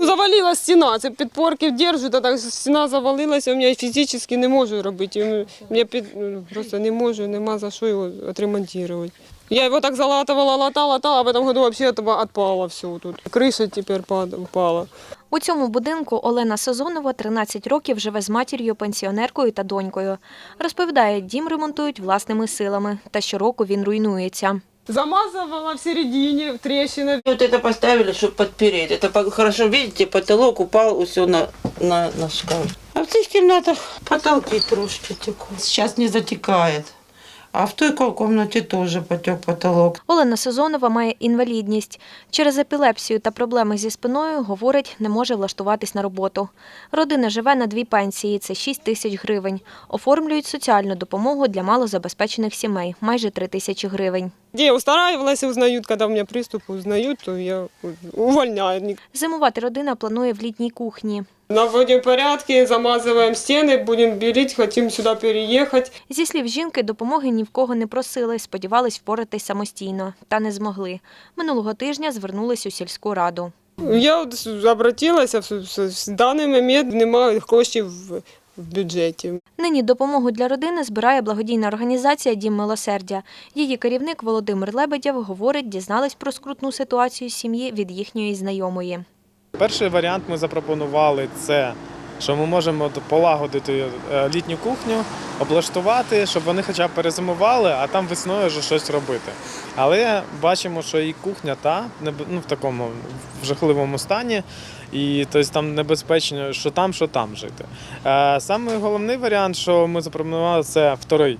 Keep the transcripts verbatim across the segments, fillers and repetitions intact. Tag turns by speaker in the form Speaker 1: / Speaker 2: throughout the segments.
Speaker 1: завалила стіна, це підпорки держу, та так стіна завалилася, у мене фізично не можу робити. Я під, просто не можу, нема за що його відремонтувати. Я його так залатувала, латала, латала, а в цьому году взагалі відпало все тут. Криша тепер впала.
Speaker 2: У цьому будинку Олена Сазонова тринадцять років живе з матір'ю, пенсіонеркою та донькою. Розповідає, дім ремонтують власними силами, та щороку він руйнується.
Speaker 1: Замазывала в середине, трещина.
Speaker 3: Вот это поставили, чтобы подпереть. Это хорошо, видите, потолок упал все на, на, на шкаф. А в цих кімнатах потолки трошки текут. Сейчас не затекает. А в той кімнаті теж потек потолок.
Speaker 2: Олена Сазонова має інвалідність. Через епілепсію та проблеми зі спиною, говорить, не може влаштуватись на роботу. Родина живе на дві пенсії – це шість тисяч гривень. Оформлюють соціальну допомогу для малозабезпечених сімей – майже три тисячі гривень.
Speaker 1: Где устраивалась, узнают, когда у меня приступы узнают, то я увольняю.
Speaker 2: Зимувати родина планує в літній кухні.
Speaker 1: Наводим порядки, замазываем стены, будем белить, хотим сюда переехать.
Speaker 2: Зі слів жінки, допомоги ні в кого не просили, сподівались впоратись самостійно. Та не змогли. Минулого тижня звернулись у сільську раду.
Speaker 1: Я обратилась, в даний момент немає коштів в бюджеті.
Speaker 2: Нині допомогу для родини збирає благодійна організація «Дім милосердя». Її керівник Володимир Лебедєв говорить, дізнались про скрутну ситуацію сім'ї від їхньої знайомої.
Speaker 4: Перший варіант ми запропонували – це, що ми можемо полагодити літню кухню, облаштувати, щоб вони хоча б перезимували, а там весною вже щось робити. Але бачимо, що і кухня та ну, в такому в жахливому стані, і тобто, там небезпечно, що там, що там жити. Саме головний варіант, що ми запропонували, це вторий.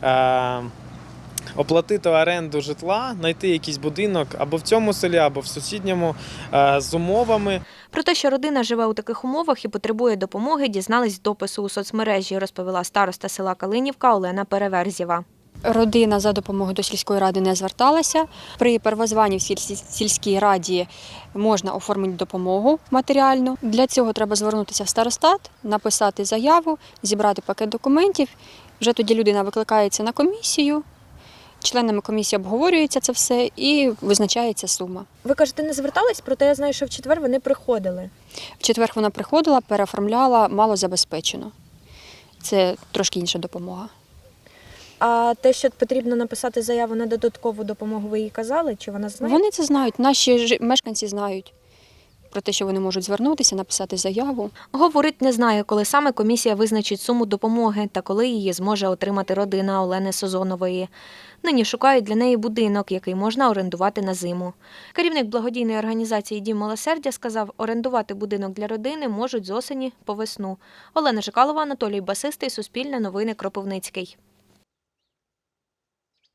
Speaker 4: Оплатити оренду житла, знайти якийсь будинок або в цьому селі, або в сусідньому з умовами.
Speaker 2: Про те, що родина живе у таких умовах і потребує допомоги, дізнались з допису у соцмережі, розповіла староста села Калинівка Олена Переверзєва.
Speaker 5: Родина за допомогою до сільської ради не зверталася. При первозванні в сільській раді можна оформити допомогу матеріальну. Для цього треба звернутися в старостат, написати заяву, зібрати пакет документів. Вже тоді людина викликається на комісію. Членами комісії обговорюється це все і визначається сума.
Speaker 2: Ви кажете, не звертались, проте я знаю, що в четвер вони приходили.
Speaker 5: В четвер вона приходила, переоформляла малозабезпечено. Це трошки інша допомога.
Speaker 2: А те, що потрібно написати заяву на додаткову допомогу, ви їй казали? Чи вона знає?
Speaker 5: Вони це знають, наші мешканці знають про те, що вони можуть звернутися, написати заяву.
Speaker 2: Говорить, не знає, коли саме комісія визначить суму допомоги та коли її зможе отримати родина Олени Сазонової. Нині шукають для неї будинок, який можна орендувати на зиму. Керівник благодійної організації «Дім милосердя» сказав, орендувати будинок для родини можуть з осені по весну. Олена Жикалова, Анатолій Басистий, Суспільне новини, Кропивницький.